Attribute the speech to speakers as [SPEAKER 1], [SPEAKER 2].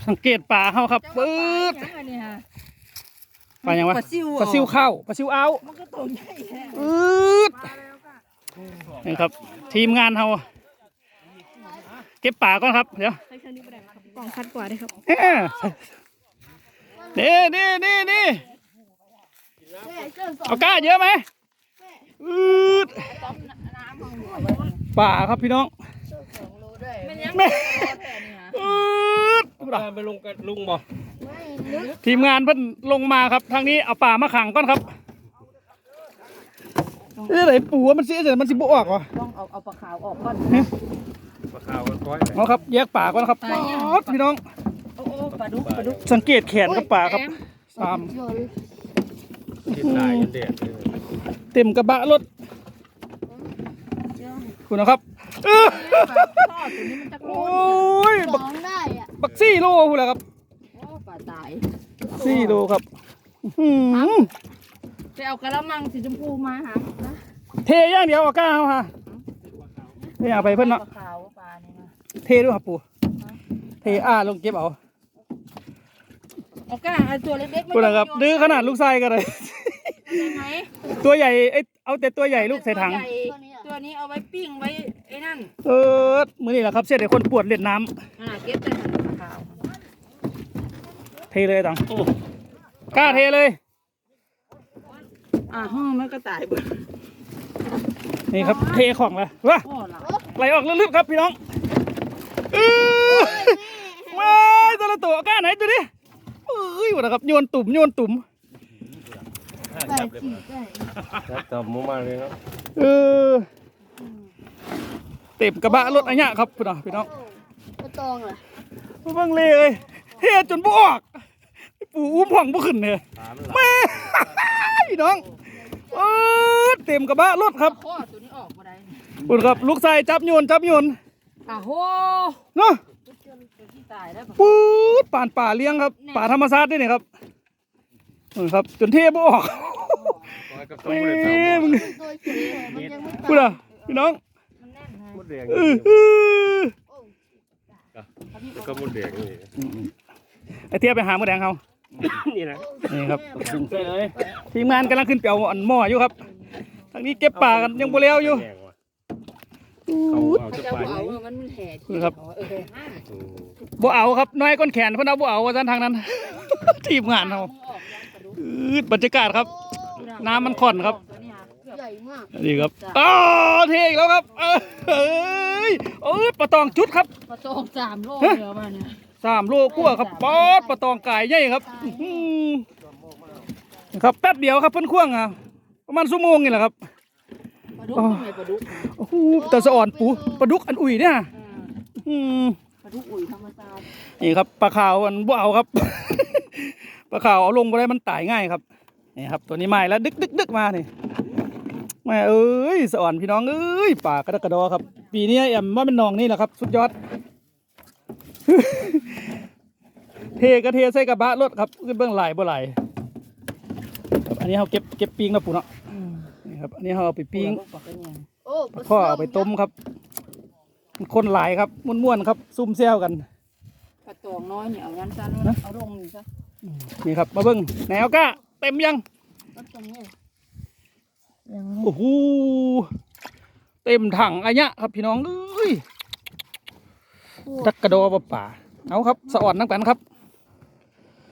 [SPEAKER 1] สังเกตป่าเขาครับปื๊ดป่ายังวะปลาซิวเข้าปลาซิวเอามันก็ตัวใหญ่ปื๊ดนี่ครับทีมงานเขาเก็บป่าก่อนครับเดี๋ยว
[SPEAKER 2] กล่องคัดกว่าได้ครับ
[SPEAKER 1] นี่เอาก้าเยอะไหมป่าครับพี่น้องแม่
[SPEAKER 3] ไปลงกับลุงบ่
[SPEAKER 1] ทีมงานเพิ่นลงมาครับทางนี้เอาป่ามาขังก่อนครับไหนปูมันเสียเสร็จมันสิบออกวะ
[SPEAKER 2] ต้องเอาปลาขาวออกก่อน
[SPEAKER 3] ปลาขาวก็ก้อย
[SPEAKER 1] เอาครับแยกป่าก่อนครับพี่น้อง
[SPEAKER 2] ปลาดุก
[SPEAKER 1] สังเกตแขนกับป่าครับเต็มกระบะรถคุณนะครับโอ้ยบัก4 โลคุณแหละครับ
[SPEAKER 2] ปลาตาย
[SPEAKER 1] 4 โลครับ
[SPEAKER 2] ไปเอากระมังสีชมพูมาหา
[SPEAKER 1] เทย่างเดียวเอาก้าเอาฮะไม่อยากไปเพิ่นเนาะเทด้วยครับปู่เทลงเก็บเอา
[SPEAKER 2] ก้าตัวเล็กๆ
[SPEAKER 1] คุณนะครับดื้อขนาดลูกไส้กันเลยตัวใหญ่เอาแต่ตัวใหญ่ลูกใส่ถัง
[SPEAKER 2] ตัวนี้เอาไว้ปิ้งไว้ไอ้นั่น
[SPEAKER 1] มื้อนี้แหละครับเสียแต่คนปวดเล่นน้
[SPEAKER 2] ำเก็บแต่ขาว
[SPEAKER 1] เทเลยตังกล้าเทเลย
[SPEAKER 2] ห้องมันก็ตายเบิด
[SPEAKER 1] นี่ครับเทของแล้วว้าไหลออกลึกๆครับพี่น้องว้ายตัวละตัวกล้าไหนตัวนี้วะนะครับโยนตุ่ม
[SPEAKER 3] จับมุมมาเลยครับ
[SPEAKER 1] เต็มกระบะรถอันนี้ครับพี่น้อง
[SPEAKER 2] กระตองเลย
[SPEAKER 1] บังเลยเทจนบวกปูอุ้มผ่องบุขึ้นเลยแม่พี่น้องเต็มกระบะรถครับ
[SPEAKER 2] ตัวนี้ออกมาได้
[SPEAKER 1] คุณครับลูกชายจับโยน
[SPEAKER 2] โห
[SPEAKER 1] เนาะปื๊ดป่าเลี้ยงครับป่าธรรมชาตินี่ครับครับจนเทบออกมึงพูดอ่ะพี่น้อง
[SPEAKER 3] มดแดงก็มดแดงนี่
[SPEAKER 1] ไอเทียบไปหามดแดงเขา
[SPEAKER 3] นี่นะ
[SPEAKER 1] นี่ครับทีมงานกำลังขึ้นเปียวหม้ออยู่ครับทางนี้เก็บป่ากันยังโบเลี้ยวอยู่ครับบ่เอาครับน้อยก้นแขนเพิ่นเอาบ่เอาว่าซั่นทางนั้นทีมงานเราบรรยากาศครับน้ำมันค่อนครับนี่ครับเทอีกแล้วครับปลาตองจุดครับ
[SPEAKER 2] ปลาตอง3 โลเดียวมาเนี่ย
[SPEAKER 1] 3 โลกว่าครับปลาตองไก่ใหญ่ครับครับแป๊บเดียวครับเพิ่นควงประมาณชั่วโมงนี่แหละครับ
[SPEAKER 2] ปลาดุก
[SPEAKER 1] โอ้โหแต่สะอ่อนปูปลาดุกอันอุ่ยเนี่ย
[SPEAKER 2] ปลาดุกอุ่ยธรรมชาติ
[SPEAKER 1] นี่ครับปลาขาวอันบ่เอาครับปลาขาวเอาลงไปได้มันตายง่ายครับนี่ครับตัวนี้ใหม่แล้วดึกมานี่แม่สะอ่อนพี่น้องป่ากระดอครับปีนี้แอมว่าเป็นนองนี่แหละครับสุดยอดเทใส่กระบะรถครับขึ้นเบื้องไหลบ่ไหลอันนี้เขาเก็บปิ้งนะปู่เนาะนี่ครับอันนี้เขาเอาไปปิ้งพ่อเอาไปต้มครับคนหลายครับม้วนๆครับซุ่มแซวกัน
[SPEAKER 2] ปลาตองน้อยเนี่ยเอายันซันเอาลงนี่ซะ
[SPEAKER 1] นี่ครับมาเบิ้งไหนเอาก้าเต็มยังโอ้โหเต็มถังอันเนี้ยครับพี่น้องตักกระโดดป่าเอาครับสะอ่อนน้ำกันครับ